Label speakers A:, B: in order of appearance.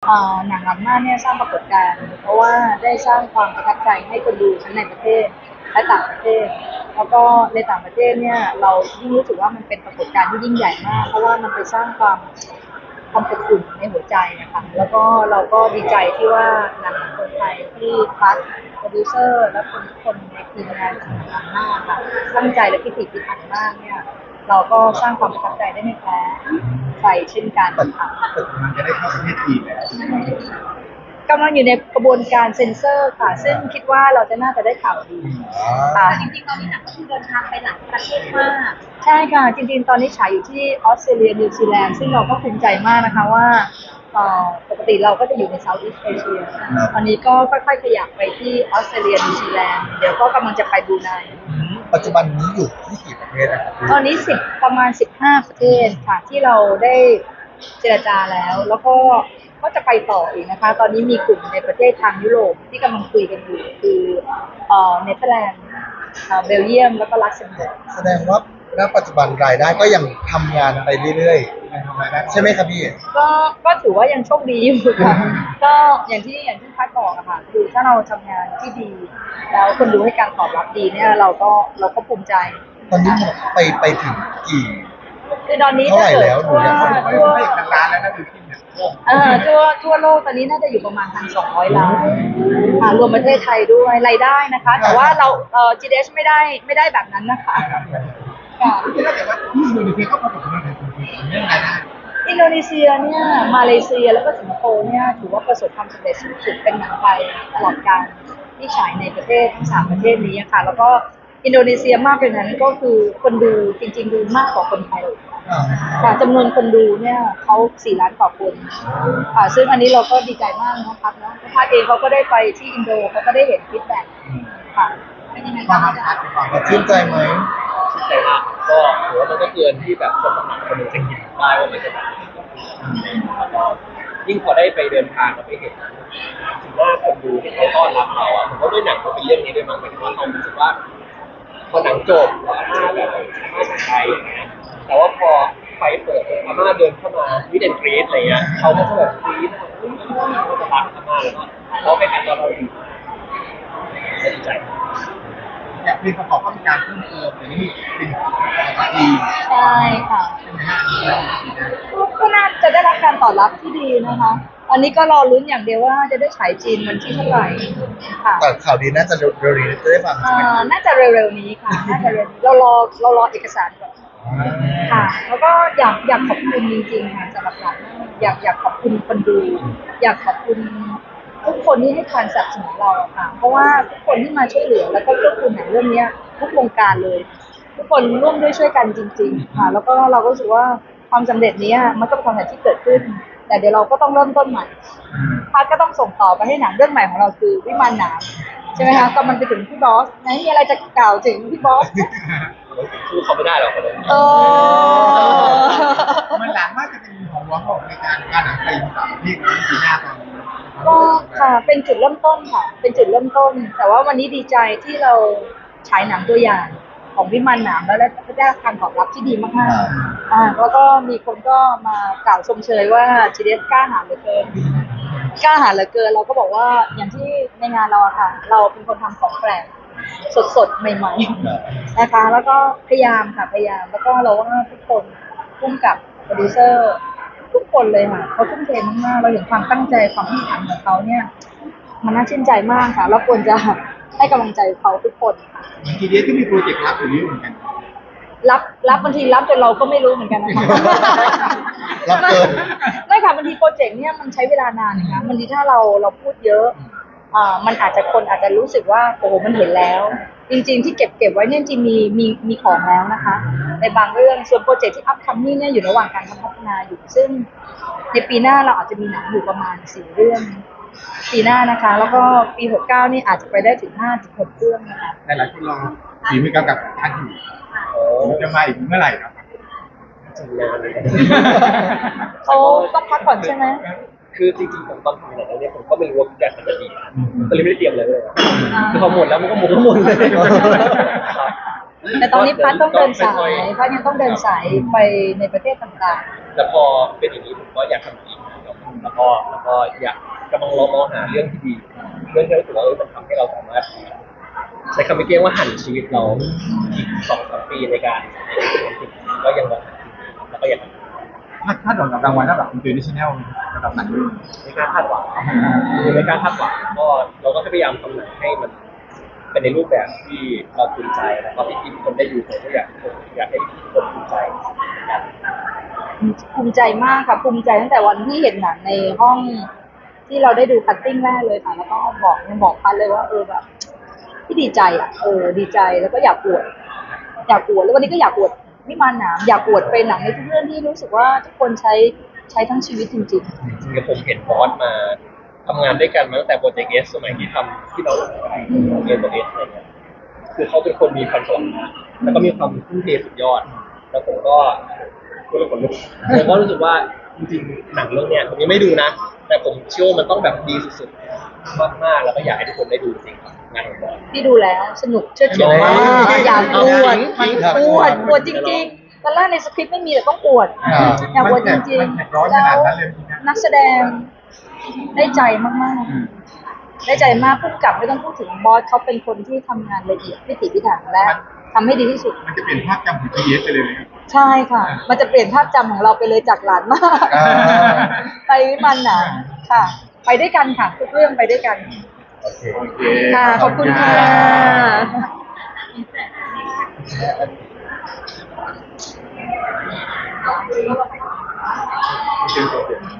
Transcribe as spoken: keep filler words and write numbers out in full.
A: หนังอัมมาเนี่ยสร้างปรากฏการณ์เพราะว่าได้สร้างความประทับใจให้คนดูทั้งในประเทศและต่างประเทศแล้วก็ในต่างประเทศเนี่ยเรายิ่งรู้สึกว่ามันเป็นปรากฏการณ์ที่ยิ่งใหญ่มากเพราะว่ามันไปสร้างความความอบอุ่นในหัวใจนะคะแล้วก็เราก็ดีใจที่ว่าหนังของคนไทยที่คัสโปรดิวเซอร์และคนทุกคนในทีมงานของอัมมาค่ะตั้งใจและพิถีพิถันมากเนี่ยเราก็สร้างความประทับใจได้ไม่แพ้ใครเช่นกันค่ะ
B: แต่มันจะได้เข้าประเทศจีนแล้ว
A: กำลังอยู่ในกระบวนการเซ็นเซอร์ค่ะซึ่งคิดว่าเราจะน่าจะได้ข่าวดีค่ะ
C: จริงๆตอนนี้หนังก็คือเดินทางไปหลายประเทศมาก
A: ใช่ค่ะจริงๆตอนนี้ฉายอยู่ที่ออสเตรเลียนิวซีแลนด์ซึ่งเราก็ภูมิใจมากนะคะว่าปกติเราก็จะอยู่ในเซาท์อีสต์เอเชียตอนนี้ก็ค่อยๆขยับไปที่ออสเตรเลียนิวซีแลนด์เดี๋ยวก็กำลังจะไปบรูไน
B: ปัจจุบันนี้อยู่ที่กี่ประเทศนะครับ
A: ตอนนี้สิบประมาณสิบห้าประเทศค่ะที่เราได้เจรจาแล้วแล้วก็ก็จะไปต่ออีกนะคะตอนนี้มีกลุ่มในประเทศทางยุโรปที่กำลังคุยกันอยู่คือเอ่อเนเธอร์แลนด์เบลเยียมแล้วก็ลักเซมเบิร์ก
B: แสดงว่าณปัจจุบันรายได้ก็ยังทำงานไปเรื่อยๆใช่ไหมครับพี่
A: ก็ก็ถือว่ายังโชคดีอยู่ค่ะก็อย่างที่อย่างที่พัดบอกอะค่ะคือถ้าเราทำงานที่ดีแล้วคนดูให้การตอบรับดีเนี่ยเราก็เราก็ภูมิใจ
B: ตอนนี้ไปไปถึงกี่
A: คือตอนนี้
B: เท่าไหร่แล้วหนู
A: เนี่ย
B: ทั่วล้านแล้วนะคือที่เนี่ย
A: เออทั่วทั่วโลกตอนนี้น่าจะอยู่ประมาณพันสองร้อยล้านค่ะรวมประเทศไทยด้วยรายได้นะคะแต่ว่าเราเอ่อ จี ดี เอช ไม่ได้ไม่ได้แบบนั้นนะคะค่ะ
B: แต่ว่าที่อินโดนีเซียก็ประสบความสำเร็จเรื่องรายได้
A: อินโดนีเซียเนี่ยมาเลเซียแล้วก็สิงคโปร์เนี่ยถือว่าประสบความสำเร็จสูงสุดเป็นหนังไทยตลอดการที่ฉายในประเทศทั้งสามประเทศนี้ค่ะแล้วก็อินโดนีเซียมากกว่านั้นก็คือคนดูจริงๆดูมากกว่าคนไทยค่ะจำนวนคนดูเนี่ยเขาสี่ล้านกว่าคนค่ะซึ่งอันนี้เราก็ดีใจมากนะครับเนาะพาเองเขาก็ได้ไปที่อินโดเขาก็ได้เห็นฟีดแบ็กค่ะเป็นยังไงบ้างคะ
B: ชื่นใจไหม
D: ชื่นใจมากก็ถือว่ามันก็เกินที่แบบคนทำหนังคนหนึงจะคิดได้ว่ามันจะแบบแล้วก็ยิ่งพอได้ไปเดินทางเราไปเห็นถึงว่าคนดูที่เขาต้อนรับเราอ่ะผมว่าด้วยหนังมันเป็นเรื่องนี้ด้วยมั้งหมายถึงว่าเขารู้สึกว่าพอหนังจบอาม่าแบบอาม่าจากไทยอย่างเงี้ยแต่ว่าพอไฟเปิดอาม่าเดินเข้ามาวิดแอนกรีดอะไรเงี้ยเขาก็จะแบบกรี๊ดเขาจะรักอาม่าแล้วก็เขาไปกันตอนเราอยู่ดีใจ
B: อยากเป็นประกอบข้าราชการเพิ่มเติมอย่างนี้เป็นปี
A: ใช่ค่ะก็น่าจะได้รับการตอบรับที่ดีนะคะอันนี้ก็รอลุ้นอย่างเดียวว่าจะได้ฉายจีนวันที่เท่าไหร่ค่ะ
B: แต่ข่าวดีน่าจะเร็วๆนี้จะได้ฟังใช่ไหม
A: น่าจะเร็วๆนี้ค่ะน่าจะเร็วเรารอเรารอเอกสารก่อนค่ะแล้วก็อยากอยากขอบคุณจริงๆค่ะสำหรับหนังอยากอยากขอบคุณคนดูอยากขอบคุณทุกคนที่ให้การสนับสนุนเราค่ะเพราะว่าทุกคนที่มาช่วยเหลือแล้วก็เกื้อกูลหนังเรื่องนี้ทุกวงการเลยทุกคนร่วมด้วยช่วยกันจริงๆค่ะแล้วก็เราก็รู้สึกว่าความสำเร็จนี้มันก็เป็นความสำเร็จที่เกิดขึ้นแต่เดี๋ยวเราก็ต้องเริ่มต้นใหม่พัดก็ต้องส่งต่อไปให้หนังเรื่องใหม่ของเราคือวิมานหนามใช่ไหมคะก็มันไปถึงพี่บอสไหนมีอะไรจะกล่าวถึงพี่บอส
D: พูดเขาไม่ได้หรอกคนนั้น
B: มันหลังว่าจะเป็นของหลวงของในการการหนังไทยต่างประเทศในปีหน้าตอนนี้
A: ก็ค่ะเป็นจุดเริ่มต้นค่ะเป็นจุดเริ่มต้นแต่ว่าวันนี้ดีใจที่เราฉายหนังตัวอย่างของวิมานหนามแล้วได้การตอบรับที่ดีมากๆอ่าแล้วก็มีคนก็มากล่าวชมเชยว่าจีเดสกล้าหาญเหลือเกินกล้าหาญเหลือเกินเราก็บอกว่าอย่างที่ในงานเราค่ะเราเป็นคนทำของแปลกสดๆใหม่ๆนะคะแล้วก็พยายามค่ะพยายามแล้วก็เราว่าทุกคนร่วมกับโปรดิวเซอร์ทุกคนเลยค่ะเขาทุ่มเทมากๆเราเห็นความตั้งใจความที่ทำของเขาเนี่ยมันน่าชื่นใจมากค่ะแล้วควรจะให้กำลังใจเขาทุกคนค่ะ
B: ทีเดียวก็มีโปรเจกต์รับอยู่เยอะเหมือนกัน
A: รับรับบางทีรับจนเราก็ไม่รู้เหมือนกันนะคะ
B: รับเกิน
A: ไม่ค่ะบางทีโปรเจกต์เนี่ยมันใช้เวลานานนะคะบางทีถ้าเราเราพูดเยอะอ่ามันอาจจะคนอาจจะรู้สึกว่าโอ้โหมันเห็นแล้วจริงๆที่เก็บเก็บไว้เนี่ยจริงมีมีมีของแล้วนะคะในบางเรื่องส่วนโปรเจกต์ที่อัพคัมมิ่งเนี่ยอยู่ระหว่างการพัฒนาอยู่ซึ่งในปีหน้าเราอาจจะมีหนังอยู่ประมาณสี่เรื่องปีหน้านะคะแล้วก็ปีหกสิบเก้านี่อาจจะไปได้ถึงห้าถึงหกเรื่องนะคะ
B: แต่หลายคนรอฝีมือกำกับท่านอยู่จะมาอีกเมื่อไหร่ครับ
D: จำนานเลย
A: เขาต้องพักก่อนใช่ไหม
D: คือจริงๆผมตอนทำหนังเนี่ยผมก็ไม่รู้ว่าแกมันจะดีก็เลยไม่ได้เตรียมเลยเลยคือพอหมดแล้วมันก็หมดก็หมดเลย
A: แต่ตอนนี้พัดต้องเดินสายพัดยังต้องเดินสายไปในประเทศต่าง
D: ๆแต่พอเป็นอย่างนี้ผมก็อยากทำอีกแล้วก็แล้วก็อยากกำลังลองมองหาเรื่องที่ดีเรื่องที่รู้สึกว่าเออมันทำให้เราสามารถใช้คำไม่เกี้ยงว่าหันชีวิตเราอีกสองสามปีในการก็ยังมองหาที่ดีแล้วก็อยาก
E: คาดคาดหวังกับรางวัลระดับอินเตอร์เนชั่นแนลระดับไหน
D: ไม่กล้าคาดหวังคือไม่กล้าคาดหวังก็เราก็พยายามทำหนังให้มันเป็นในรูปแบบที่เราภูมิใจแล้วก็ที่ทุกคนได้ดูผมก็อยากอยากให้ทุกคนภูมิใจ
A: ภูมิใจมากค่ะภูมิใจตั้งแต่วันที่เห็นหนังในห้องที่เราได้ดูคัตติ้งแรกเลยค่ะแล้วก็บอกบอกพันเลยว่าเออแบบที่ดีใจอ่ะเออดีใจแล้วก็อยากอวดอยากอวดแล้ววันนี้ก็อยากอวดวิมานหนามอยากอวดเป็นหนังในทุกเรื่องที่รู้สึกว่าทุกคนใช้ใช้ทั้งชีวิตจริง
D: จริงๆผมเห็นบอสมาทำงานด้วยกันมาตั้งแต่โปรเจกต์เอสสมัยที่ทำที่เราเรียนโปรเอสอะไรเงี้ยคือเขาเป็นคนมีความสามารถแล้วก็มีความทุ่มเทสุดยอด แล้วผมก็ก็เลยขนลุกผมก็รู้สึกว่าจริงๆหนังเรื่องเนี้ยผมยังไม่ดูนะ แต่ผมเชื่อว่ามันต้องแบบดีสุดๆมากๆแล้วก็อยากให้ทุกคนได้ดูจริงครับงานของบอส
A: ๆที่ดูแล้วสนุกเชื่อถือมากอยากอวดอวดอวดจริงๆตอนแรกในสคริปต์ไม่มีแต่ต้องอวดอยากอวดจริง
E: มันร้อน
A: ๆ
E: ข
A: แล้ว
E: นาดนั้นเลยนะ
A: นักแสดงได้ใจมากๆ ได้ใจมากผู้กำกับไม่ต้องพูดถึงบอสเขาเป็นคนที่ทำงานละเอียดพิถีพิถันและทำให้ดีที่สุด
E: มันจะเปลี่ยนภาพจำของ จี เอส ไปเลยไหมครับ
A: ใช่ค่ะ มันจะเปลี่ยนภาพจำของเราไปเลยจากหลานมาก
B: อ่า
A: ไปวิมานหนามค่ะ ไปด้วยกันค่ะทุกเรื่องไปด้วยกัน
B: โอเค
E: โอเค
A: ค่ะ ขอบคุณค่ะ
E: โอเค